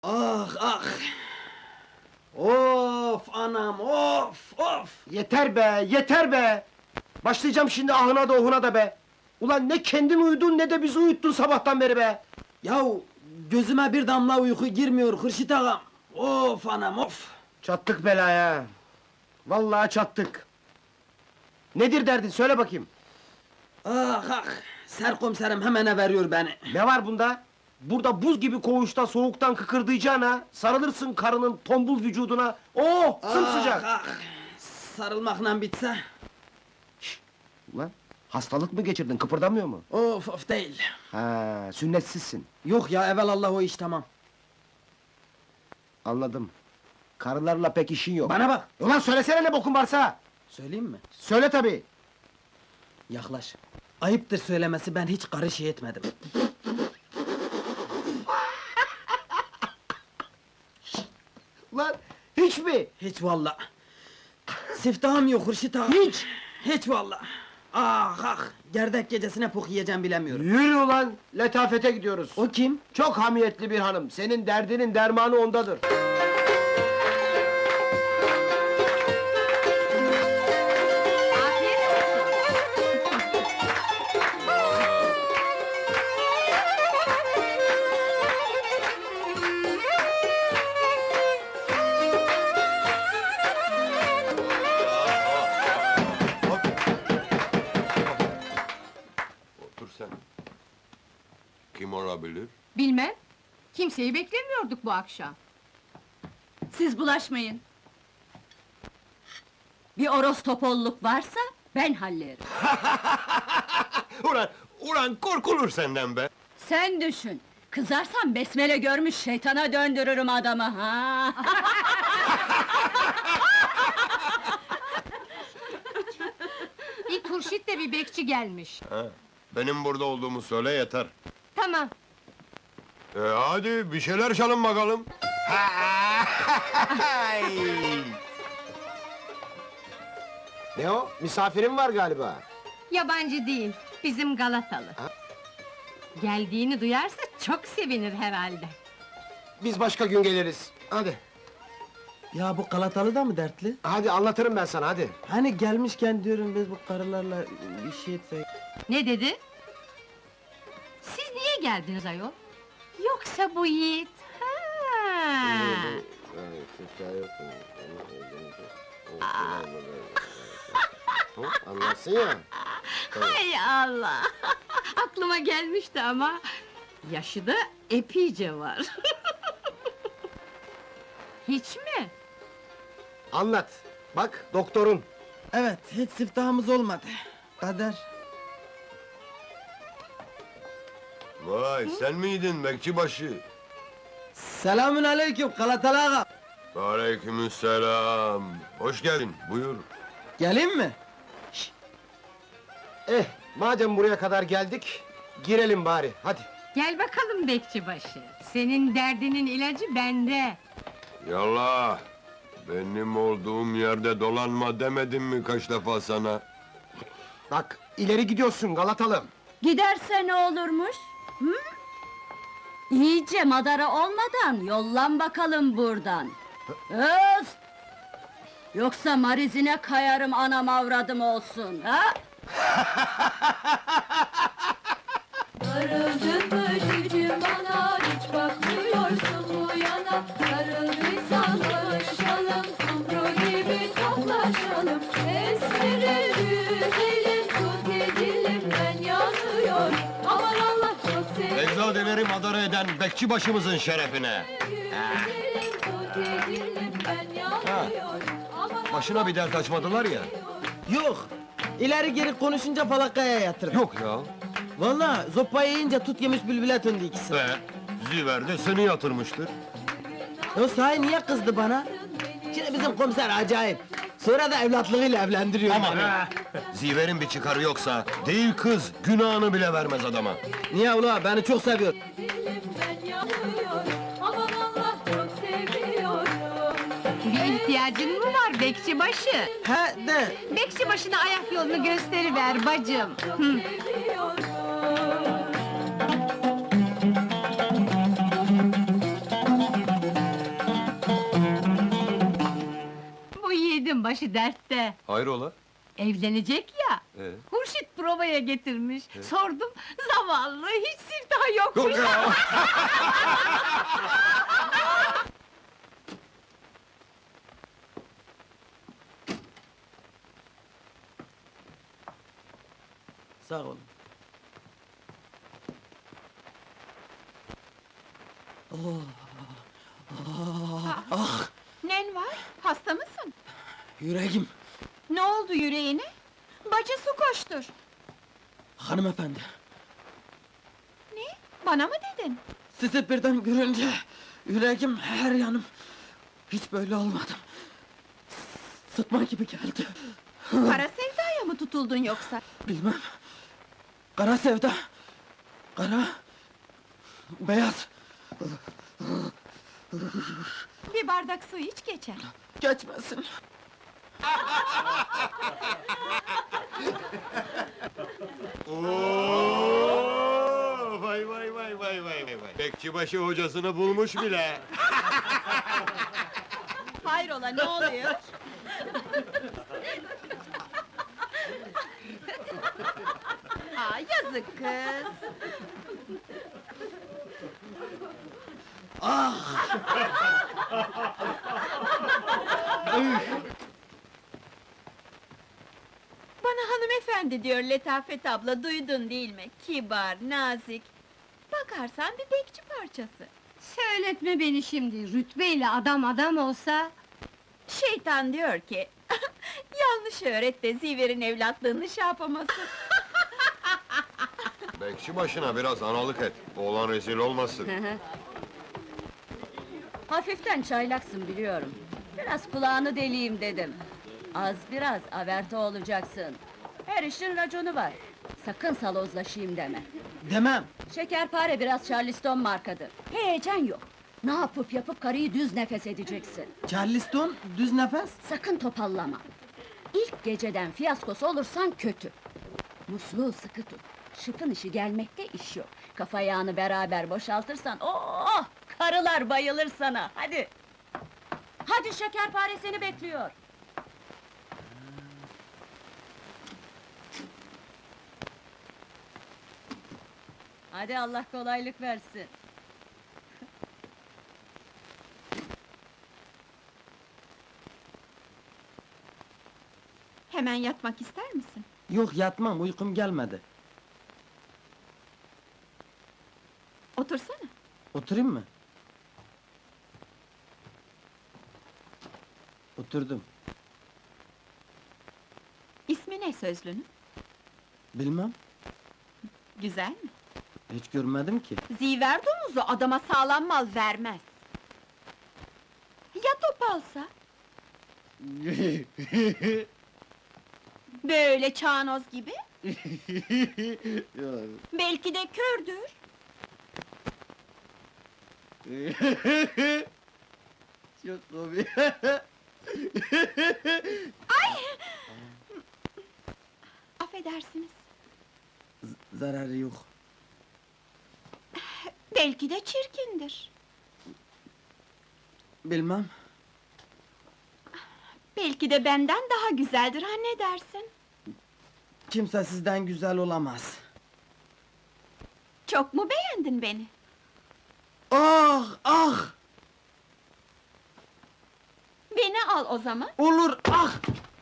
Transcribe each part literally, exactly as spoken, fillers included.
Ah ah! Of anam of of! Yeter be, yeter be! Başlayacağım şimdi ahına da ohuna da be! Ulan ne kendin uyudun ne de bizi uyuttun sabahtan beri be! Yahu gözüme bir damla uyku girmiyor Hırşit ağam! Of anam of! Çattık belaya! Vallahi çattık! Nedir derdin söyle bakayım! Ah ah! Serkomiserim hemen veriyor beni! Ne var bunda? Burada buz gibi koğuşta soğuktan kıkırdayacağına, sarılırsın karının tombul vücuduna, oh sımsıcak! Ah, ah. Sarılmakla bitse, Ulan hastalık mı geçirdin, kıpırdamıyor mu? of of değil! Ha, sünnetsizsin, Yok ya, evelallah o iş tamam! anladım. Karılarla pek işin yok. Bana bak! Ulan söylesene ne bokun varsa! Söyleyeyim mi? Söyle tabii! Yaklaş! Ayıptır söylemesi, ben hiç karı şey etmedim! Ulan hiç mi? Hiç valla! Siftahım yok Hırşit ağa! Hiç! Hiç valla! Ah ah! Gerdek gecesine pok yiyeceğim bilemiyorum! Yürü ulan, letafete gidiyoruz. O kim? Çok hamiyetli bir hanım, senin derdinin dermanı ondadır. Afiyet olsun. Otur sen. Kim olabilir? Bilmem. Kimseyi beklemiyorduk bu akşam. Siz bulaşmayın. Bir orostopolluk varsa ben hallederim. Ulan, ulan korkulur senden be! Sen düşün. Kızarsam besmele görmüş şeytana döndürürüm adamı ha. Bir turşit de bir bekçi gelmiş. Ha, benim burada olduğumu söyle yeter. Tamam. E hadi bir şeyler çalın bakalım. Ne o? Misafirin var galiba. Yabancı değil, bizim Galatalı. Geldiğini duyarsa çok sevinir herhalde. Biz başka gün geliriz. Hadi, Ya bu Galatalı da mı dertli? hadi anlatırım ben sana hadi. Hani gelmişken diyorum biz bu karılarla bir şey etsek... Ne dedi? Siz niye geldiniz ayol? Yoksa bu yiğit? Ha. Anlarsın ya. Hay Allah! Aklıma gelmişti ama... Yaşı da epeyce var. Hiç mi? Anlat. Bak doktorun. Evet, hiç siftahımız olmadı. Kader. Vay, sen miydin bekçibaşı? Selamün aleyküm Galatalı ağa. Aleykümselam. Hoş geldin, buyur. Geleyim mi? Eh, madem buraya kadar geldik, girelim bari, hadi. Gel bakalım bekçibaşı. Senin derdinin ilacı bende. Yallah! Benim olduğum yerde dolanma demedim mi kaç defa sana? Bak, ileri gidiyorsun Galatalım. Giderse ne olurmuş? Hı? İyice madara olmadan yollan bakalım buradan. Öz! Yoksa marizine kayarım anam avradım olsun, ha? Darıldın mı cicim bana, hiç bakmıyorsun bu yana. Darıldıysan barışalım, kumru gibi toplaşalım. Esmerir güzelim, tut dilimden yanıyor. Aman Allah çok sevdim. Eczadeleri madara eden bekçibaşımızın şerefine! Güzelim, tut dilimden yanıyor. Aman Başına bir dert açmadılar ya! Yok! İleri geri konuşunca falakaya yatırım. Yok ya! Vallahi zopayı yiyince tut yemiş bülbüle döndü ikisi. Ve Ziver de seni yatırmıştır. O sahi niye kızdı bana? Şimdi bizim komiser acayip. Sonra da evlatlığıyla evlendiriyor Aman! beni. Ziver'in bir çıkarı yoksa, değil kız, günahını bile vermez adama. Niye ula, beni çok seviyor. dilimden yanıyor. Aman Allah çok seviyorum. Bir ihtiyacın mı var bekçibaşı? He de, Bekçibaşına ayak yolunu gösteriver bacım. Hı. Seviyorum. başı dertte. Hayrola? Evlenecek ya. Ee? Hurşit provaya getirmiş. Sordum, zavallı, hiç siftahı yokmuş. Yok ya! Sağ olun. Nen var, hasta mısın? Yüreğim, Ne oldu yüreğine? Bacı su koştur. hanımefendi. Ne? Bana mı dedin? Sizi birden görünce yüreğim, her yanım hiç böyle olmadım. Sıtma gibi geldi. Kara sevdaya mı tutuldun yoksa? Bilmem. Kara sevda. Kara. Beyaz. Bir bardak su iç geçer. Geçmesin. Oo, vay vay vay vay vay vay. Bekçibaşı hocasını bulmuş bile. Hayrola, ne oluyor? Aa, yazık kız! Bana hanımefendi diyor Letafet abla, duydun değil mi? Kibar, nazik. Bakarsan bir bekçi parçası. Söyletme beni şimdi, rütbeyle adam adam olsa... Şeytan diyor ki... yanlış öğret de Ziver'in evlatlığını şey yapamasın. Bekçibaşına biraz analık et. Oğlan rezil olmasın. Hafiften çaylaksın biliyorum. Biraz kulağını deleyim dedim. Az biraz averte olacaksın. Her işin raconu var. Sakın salozlaşayım deme. Demem. Şekerpare biraz Charleston markadır. Heyecan yok. Ne yapıp yapıp karıyı düz nefes edeceksin. Charleston, düz nefes. Sakın topallama. İlk geceden fiyaskosu olursan kötü. Musluğu sıkı tut. Şıpın işi gelmekte iş yok. Kafa yağını beraber boşaltırsan, oh! Karılar bayılır sana, hadi! Hadi şekerpare seni bekliyor! Hadi Allah kolaylık versin! Hemen yatmak ister misin? Yok, yatmam, uykum gelmedi. Otursana. Oturayım mı? Oturdum. İsmi ne sözlünün? Bilmem, Güzel mi? hiç görmedim ki. Ziver domuzu adama sağlam mal vermez. Ya topalsa? Böyle çağnoz gibi? Belki de kördür. Çok komik. Affedersiniz. Z- zararı yok. Belki de çirkindir. Bilmem. Belki de benden daha güzeldir, ha ne dersin? Kimse sizden güzel olamaz. Çok mu beğendin beni? Ah, ah! Beni al o zaman. Olur, ah!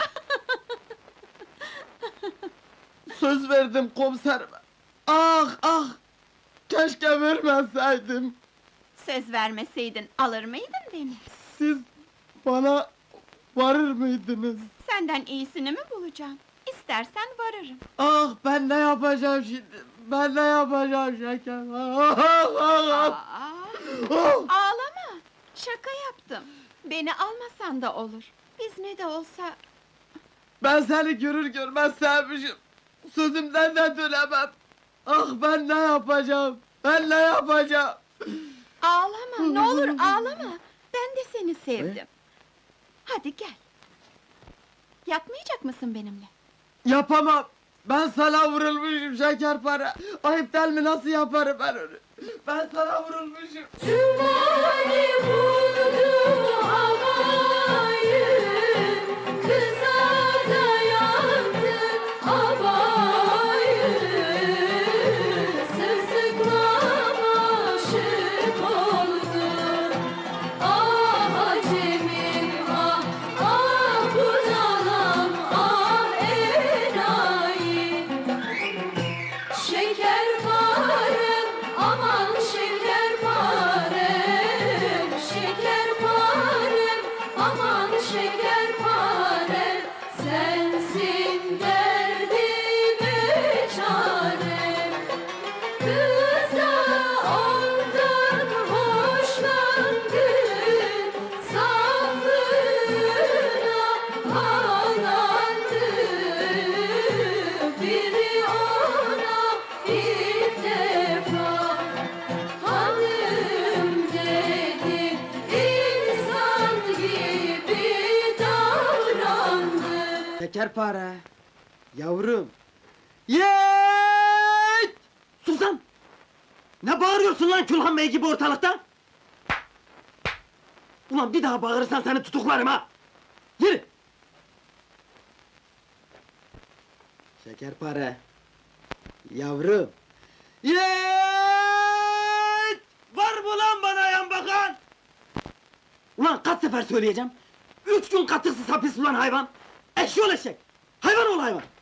Söz verdim komiserime. Ah, ah! Keşke vermeseydim. Söz vermeseydin alır mıydın beni? Siz bana varır mıydınız? Senden iyisini mi bulacağım? İstersen varırım. Ah, ben ne yapacağım şimdi? Ben ne yapacağım şeker? Ah, ah, ah, Aa, ah! ağlama! Şaka yaptım. Beni almasan da olur. Biz ne de olsa... Ben seni görür görmez sevmişim. Sözümden de dönemem. Ah, ben ne yapacağım? Ben ne yapacağım? Ağlama, ne olur ağlama! Ben de seni sevdim. Hadi gel. Yatmayacak mısın benimle? Yapamam. Ben sana vurulmuşum şekerpare. Ayıp değil mi, nasıl yaparım ben onu? Ben sana vurulmuşum. Cumali vurdu havayı, kız Şekerpare. Yavrum. Yeeeet! Susan! Ne bağırıyorsun lan Külhan Bey gibi ortalıkta? Ulan bir daha bağırırsan seni tutuklarım ha! Yürü! Şekerpare. Yavrum. Yeeeet! Var mı lan bana yan bakan? Ulan kaç sefer söyleyeceğim? Üç gün katıksız hapis ulan hayvan! Eşyol eşek! Hayvan ol hayvan!